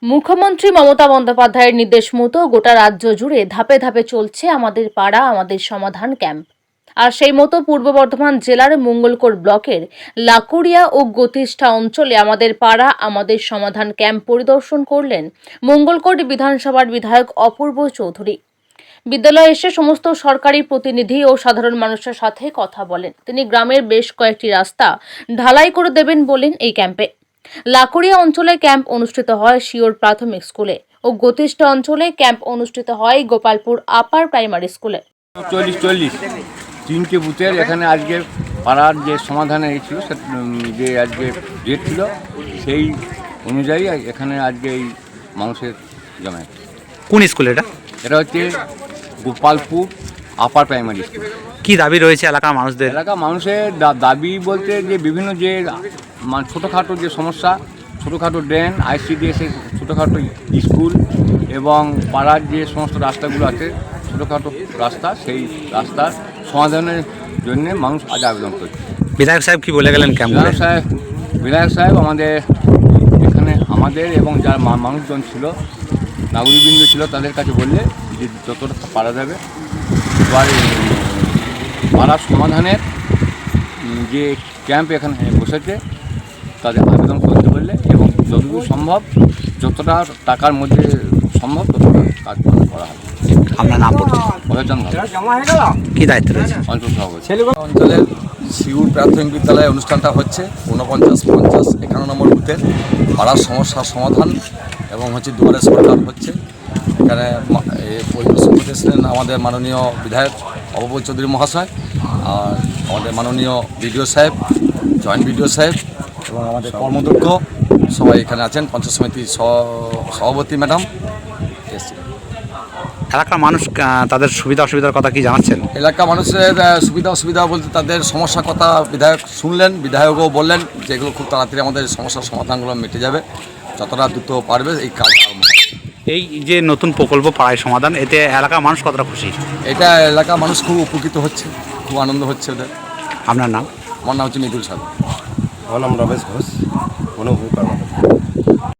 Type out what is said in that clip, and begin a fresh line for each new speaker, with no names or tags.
মুখ্যমন্ত্রী মমতা বন্দ্যোপাধ্যায়ের নির্দেশ মতো গোটা রাজ্য জুড়ে ধাপে ধাপে চলছে আমাদের পাড়া আমাদের সমাধান ক্যাম্প। আর সেই মতো পূর্ব বর্ধমান জেলার মঙ্গলকোট ব্লকের লাকুড়িয়া ও গতিষ্ঠা অঞ্চলে আমাদের পাড়া আমাদের সমাধান ক্যাম্প পরিদর্শন করলেন মঙ্গলকোট বিধানসভার বিধায়ক অপূর্ব চৌধুরী। বিদ্যালয়ে এসে সমস্ত সরকারি প্রতিনিধি ও সাধারণ মানুষের সাথে কথা বলেন। তিনি গ্রামের বেশ কয়েকটি রাস্তা ঢালাই করে দেবেন বলেন এই ক্যাম্পে। লাকুড়িয়া অঞ্চলে ক্যাম্প অনুষ্ঠিত হয় শিওর প্রাথমিক স্কুলে ও গতিষ্ঠা অঞ্চলে ক্যাম্প অনুষ্ঠিত হয় গোপালপুর আপার প্রাইমারি স্কুলে।
40 তিনটে বুথের এখানে আজকে পাড়ার যে সমাধানে ছিল যে আজকে ডেট ছিল সেই অনুযায়ী এখানে আজকে এই মানুষের জমায়েত।
কোন স্কুল এটা?
এটা হচ্ছে গোপালপুর আপার প্রাইমারি স্কুল।
কি দাবি রয়েছে এলাকার মানুষদের?
এলাকার মানুষের দাবি বলতে যে বিভিন্ন যে ছোটোখাটো যে সমস্যা, ছোটোখাটো ড্রেন, ICDS-এর ছোটোখাটো স্কুল এবং পাড়ার যে সমস্ত রাস্তাগুলো আছে ছোটোখাটো রাস্তা, সেই রাস্তার সমাধানের জন্য মানুষ আজ আবেদন করছে।
বিধায়ক সাহেব কি বলে গেলেন ক্যাম্পে?
বিধায়ক সাহেব আমাদের এখানে আমাদের এবং যারা মানুষজন ছিল, নাগরিকবৃন্দ ছিল, তাদের কাছে বললে যে যতটা পারা যাবে এবার পাড়ার সমাধানের যে ক্যাম্প এখানে বসেছে তাদের আবেদন করতে বললে এবং যতটুকু সম্ভব যতটা টাকার মধ্যে সম্ভব ততটা কাজ করা হবে।
আপনার নাম বলছেন? কি দায়িত্ব রয়েছে?
অঞ্চল সভাপতি।
অঞ্চলের শিউর প্রাথমিক বিদ্যালয়ে অনুষ্ঠানটা হচ্ছে 49, 50, 51 নম্বর বুথের পাড়ার সমস্যার সমাধান এবং দুয়ারে সরকার হচ্ছে। এখানে পরিদর্শন করতেছিলেন আমাদের মাননীয় বিধায়ক অপূর্ব চৌধুরী মহাশয়, আর আমাদের মাননীয় বিডিও সাহেব, জয়েন্ট বিডিও সাহেব এবং আমাদের কর্মদক্ষ সবাই এখানে আছেন। পঞ্চায়েত সমিতির সভাপতি ম্যাডাম এসেছিলেন।
এলাকার মানুষ তাদের সুবিধা অসুবিধার কথা কি জানাচ্ছেন?
এলাকা মানুষের সুবিধা অসুবিধা বলতে তাদের সমস্যার কথা বিধায়ক শুনলেন, বিধায়কও বললেন যে এগুলো খুব তাড়াতাড়ি আমাদের সমস্যার সমাধানগুলো মিটে যাবে, যতটা দ্রুত পারবে এই কাজ আরম্ভ হবে।
এই যে নতুন প্রকল্প পাড়ায় সমাধান, এতে এলাকার মানুষ কতটা খুশি?
এটা এলাকার মানুষ খুব উপকৃত হচ্ছে, খুব আনন্দ হচ্ছে ওদের।
আপনার নাম?
আমার নাম হচ্ছে মৃদুল সাহেব।
আমার নাম রমেশ ঘোষ, বনভূমি কর্মকর্তা।